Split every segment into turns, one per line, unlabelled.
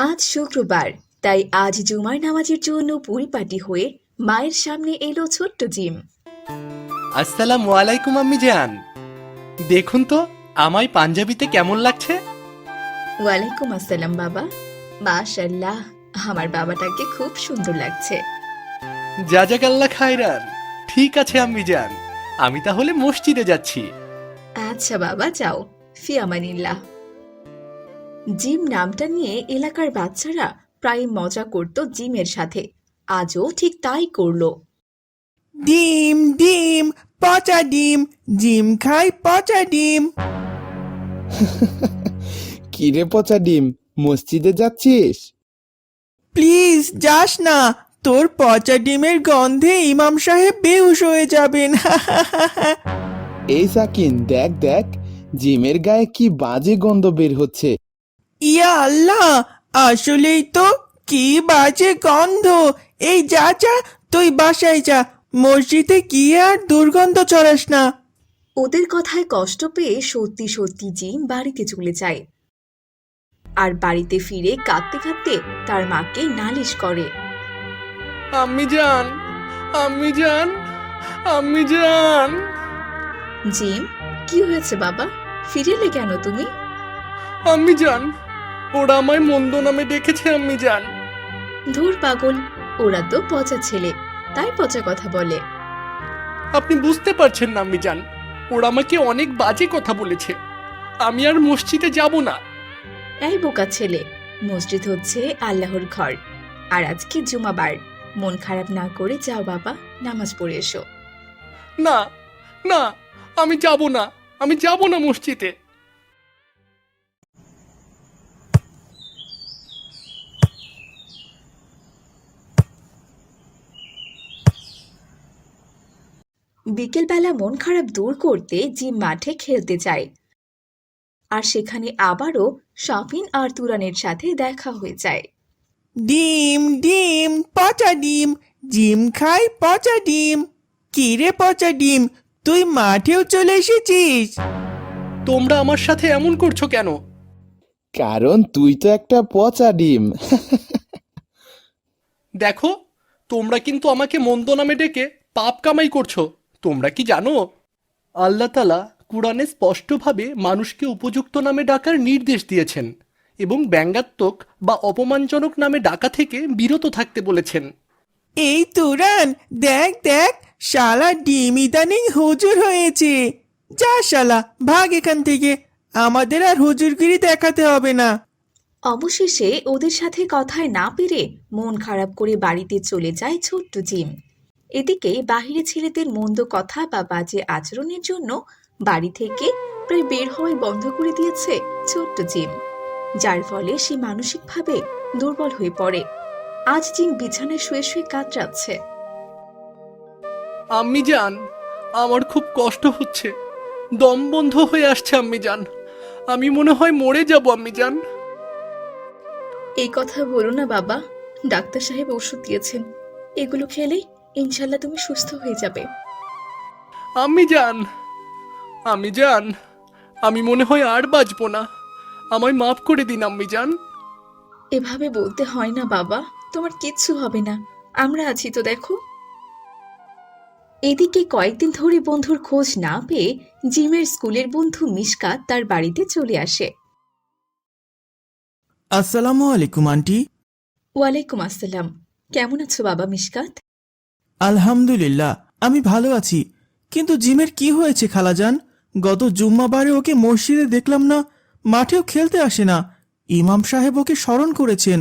আজ শুক্রবার, তাই আজ জুমার নামাজের জন্য পরিপাটি হয়ে মায়ের সামনে এলো ছোট্ট জিম।
আসসালামু আলাইকুম আম্মি জান। দেখুন তো আমায় পাঞ্জাবিতে কেমন লাগছে।
ওয়ালাইকুম আসসালাম বাবা। মাশাআল্লাহ, আমার বাবাটাকে খুব সুন্দর লাগছে।
জাজাকাল্লাহ খায়রান। ঠিক আছে আম্মি জান, আমি তাহলে মসজিদে যাচ্ছি।
আচ্ছা বাবা, যাও। ফি আমানিল্লাহ। জিম নামটা নিয়ে এলাকার বাচ্চারা প্রায় মজা করত জিমের সাথে। আজও ঠিক তাই করলো।
ডিম ডিম পচা ডিম, জিম খাই পচা ডিম।
কিরে পচা ডিম, মসজিদে যাচ্ছিস?
প্লিজ যাস না, তোর পচা ডিমের গন্ধে ইমাম সাহেব বেহুশ হয়ে যাবেন।
এই সাকিন, দেখ দেখ, জিমের গায়ে কি বাজে গন্ধ বের হচ্ছে।
ইয়া আল্লাহ, আসলেই তো কি বাজে গন্ধ। এই যা যা, তুই বাসায় যা, মসজিদে গিয়ে আর দুর্গন্ধ ছড়াস না।
ওদের কথায় কষ্ট পেয়ে সত্যি সত্যি জিম বাড়িতে চলে যায়। আর বাড়িতে ফিরে কাঁদতে কাঁদতে তার মাকে নালিশ করে।
আম্মি জান, আম্মি জান, আম্মি জান।
জিম, কি হয়েছে বাবা? ফিরেলে কেন তুমি?
আম্মি জান, ওরা আমায় মন্দ নামে ডেকেছে আম্মি জান।
ধুর পাগল, ওরা তো পচা ছেলে, তাই পচা কথা বলে।
আপনি বুঝতে পারছেন না আম্মি জান, ওরা আমাকে অনেক বাজে কথা বলেছে। আমি আর মসজিদে যাব না।
এই বোকা ছেলে, মসজিদ হচ্ছে আল্লাহর ঘর, আর আজকে জুমাবার। মন খারাপ না করে যাও বাবা, নামাজ পড়ে এসো।
না না, আমি যাব না, আমি যাব না মসজিদে।
বিকেলবেলা মন খারাপ দূর করতে জিম মাঠে খেলতে যায়। আর সেখানে আবারও শাফিন আর তুরানের সাথে দেখা হয়ে যায়।
ডিম ডিম পচা ডিম, জিম খাই পচা ডিম। কি রে পচা ডিম, তুই মাঠেও চলে এসেছিস?
তোমরা আমার সাথে এমন করছো কেন?
কারণ তুই তো একটা পচা ডিম।
দেখো, তোমরা কিন্তু আমাকে মন্দ নামে ডেকে পাপ কামাই করছো। তোমরা কি জানো, আল্লাহ তাআলা কুরআনে স্পষ্টভাবে মানুষকে উপযুক্ত নামে ডাকার নির্দেশ দিয়েছেন এবং ব্যঙ্গাত্মক বা অপমানজনক নামে ডাকা থেকে বিরত থাকতে বলেছেন।
এই তুরান, দেখ দেখ, শালা ডিম ইদানিং হুজুর হয়েছে। যা শালা, ভাগ এখান থেকে, আমাদের আর হুজুরগিরি দেখাতে হবে না।
অবশেষে ওদের সাথে কথায় না পেরে মন খারাপ করে বাড়িতে চলে যায় ছোট্ট জিম। এদিকে বাহিরে ছেলেদের মন্দ কথা বা বাজে আচরণের জন্য বাড়ি থেকে প্রায় বের হওয়াই বন্ধ করে দিয়েছে ছোট্ট জিম, যার ফলে সে মানসিকভাবে দুর্বল হয়ে পড়ে। আজ জিম বিছানায় শুয়ে শুয়ে কাতরাচ্ছে।
আম্মি জান, আমার খুব কষ্ট হচ্ছে, দম বন্ধ হয়ে আসছে আম্মি জান। আমি মনে হয় মরে যাব আম্মি জান।
এই কথা বলো না বাবা, ডাক্তার সাহেব ওষুধ দিয়েছেন, এগুলো খেলেই ইনশাল্লাহ তুমি সুস্থ হয়ে যাবে।
আম্মি জান, আম্মি জান, আমি মনে হয় আর বাঁচবো না। আমায় মাফ করে দিন আম্মি জান।
এভাবে বলতে হয় না বাবা, তোমার কিচ্ছু হবে না, আমরা আছি তো দেখো। এদিকে কয়েকদিন ধরে বন্ধুর খোঁজ না পেয়ে জিমের স্কুলের বন্ধু মিশকাত তার বাড়িতে চলে আসে।
আসসালামু আলাইকুম আন্টি।
ওয়ালাইকুম আসসালাম। কেমন আছো বাবা মিশকাত?
আলহামদুলিল্লাহ, আমি ভালো আছি। কিন্তু জিমের কি হয়েছে খালাজান? গত জুম্মাবারে ওকে মসজিদে দেখলাম না, মাঠেও খেলতে আসে না। ইমাম সাহেব ওকে স্মরণ করেছেন।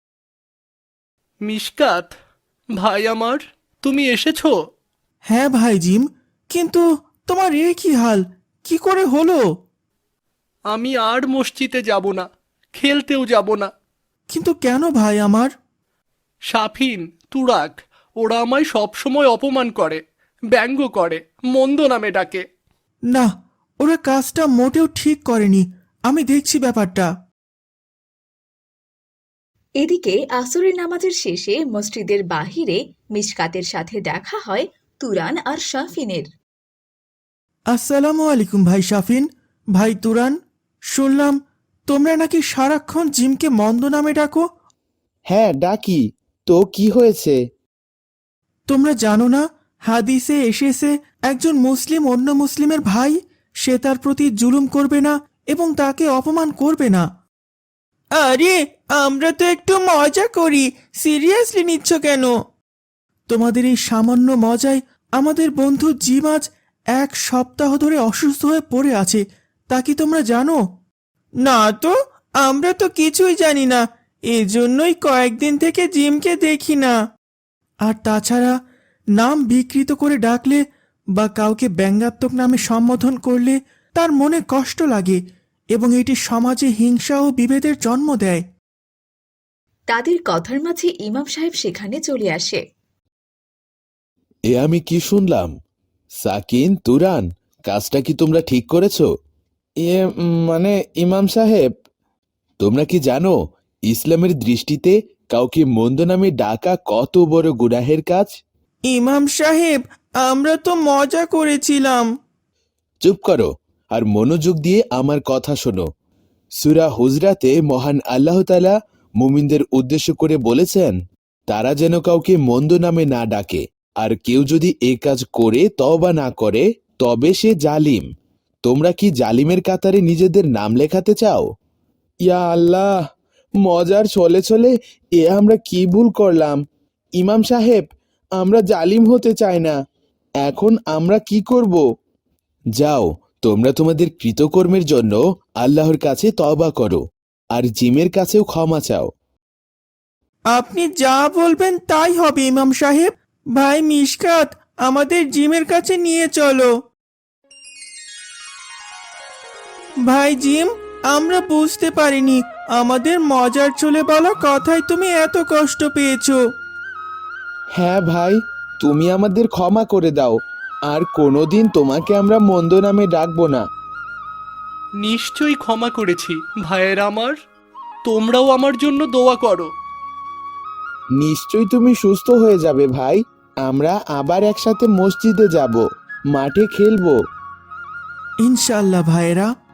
মিশকাত, ভাই আমার, তুমি এসেছো?
হ্যাঁ ভাই জিম, কিন্তু তোমার এ কি হাল, কি করে হলো?
আমি আর মসজিদে যাব না, খেলতেও যাব না।
কিন্তু কেন ভাই আমার?
শাফিন, তুরাক, ওরা আমায় সবসময় অপমান করে, ব্যঙ্গ করে, মন্দ নামে ডাকে।
না, ওরা কাজটা মোটেও ঠিক করেনি। আমি দেখছি ব্যাপারটা।
এদিকে আসরের নামাজের শেষে মসজিদের বাহিরে মিশকাতের সাথে দেখা হয় তুরান আর শাফিনের।
আসসালামু আলাইকুম ভাই শাফিন, ভাই তুরান। শুনলাম তোমরা নাকি সারাক্ষণ জিমকে মন্দ নামে ডাকো।
হ্যাঁ ডাকি, তো কি হয়েছে?
তোমরা জানো না হাদিসে এসেছে একজন মুসলিম অন্য মুসলিমের ভাই, সে তার প্রতি জুলুম করবে না এবং তাকে অপমান করবে না। আরে আমরা তো একটু মজা করি, সিরিয়াসলি নিচ্ছ কেন? তোমাদের এই সামান্য মজায় আমাদের বন্ধু জিম আজ 1 সপ্তাহ ধরে অসুস্থ হয়ে পড়ে আছে, তা কি তোমরা জানো? না তো, আমরা তো কিছুই জানি না, এজন্যই কয়েকদিন থেকে জিমকে দেখি না। আর তাছাড়া নাম বিকৃত করে ডাকলে বা কাউকে ব্যঙ্গাত্মক নামে সম্বোধন করলে তার মনে কষ্ট লাগে এবং এটি সমাজে হিংসা ও বিভেদের জন্ম দেয়।
তাদের কথার মাঝে ইমাম সাহেব সেখানে চলে আসে।
এ আমি কি শুনলাম? সাকিন, তুরান, কাজটা কি তোমরা ঠিক করেছো? মানে ইমাম সাহেব, তোমরা কি জানো ইসলামের দৃষ্টিতে কাউকে মন্দ নামে ডাকা কত বড় গুনাহের কাজ?
ইমাম সাহেব, আমরা তো মজা করেছিলাম।
চুপ করো আর মনোযোগ দিয়ে আমার কথা শোনো। সূরা হুজরাতে মহান আল্লাহ তাআলা মুমিনদের উদ্দেশ্য করে বলেছেন, তারা যেন কাউকে মন্দ নামে না ডাকে, আর কেউ যদি এ কাজ করে তওবা না করে তবে সে জালিম। তোমরা কি জালিমের কাতারে নিজেদের নাম লেখাতে চাও? ইয়া আল্লাহ, মজার ছলে ছলে এ আমরা কি ভুল করলাম? ইমাম সাহেব, আমরা জালিম হতে চাই না, এখন আমরা কি করব? যাও, তোমরা তোমাদের কৃতকর্মের জন্য আল্লাহর কাছে তওবা করো আর জিমের কাছেও ক্ষমা চাও।
আপনি যা বলবেন তাই হবে ইমাম সাহেব। ভাই মিশকাত, আমাদের জিমের কাছে নিয়ে চলো। ভাই জিম, আমরা বুঝতে পারিনি আমাদের মজার চলে বলা কথায় তুমি এত কষ্ট পেয়েছো।
হ্যাঁ ভাই, তুমি আমাদের ক্ষমা করে দাও, আর কোনোদিন তোমাকে আমরা মন্দ নামে ডাকবো না।
নিশ্চয়ই ক্ষমা করেছি ভাইয়েরা আমার। তোমরাও আমার জন্য দোয়া করো।
নিশ্চয়ই তুমি সুস্থ হয়ে যাবে ভাই। আমরা আবার একসাথে মসজিদে যাব, মাঠে খেলবো।
ইনশাআল্লাহ ভাইয়েরা।